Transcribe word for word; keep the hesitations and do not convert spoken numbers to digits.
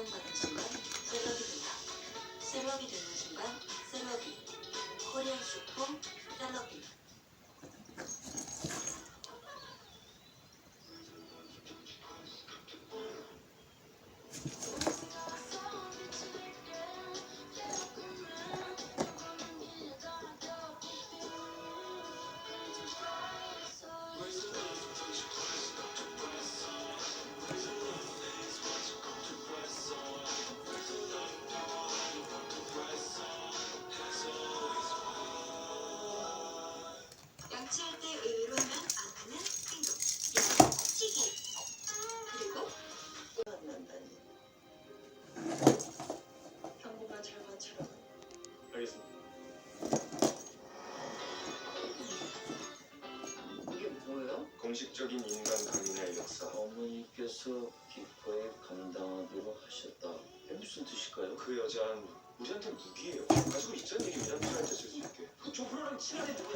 인정받는 순간 셀럽이 된다. 셀럽이 되는 순간 셀럽이. 코리안 슈퍼 셀럽이. 양치할 때 의외로 하면 안 하는 행동. 양치기. 그리고 만난다니. 경고가 절반처럼. 알겠습니다. 이게 뭐예요? 공식적인 인간 강인의 역사. 어머니께서 기꺼이 감당하기로 하셨다. 이게 무슨 뜻일까요? 그 여자는 우리한테 무기예요. 가지고 있자는 얘기입니다. 필요할 때 쓸 수 있게. 그 조프로랑 친하게 누구야?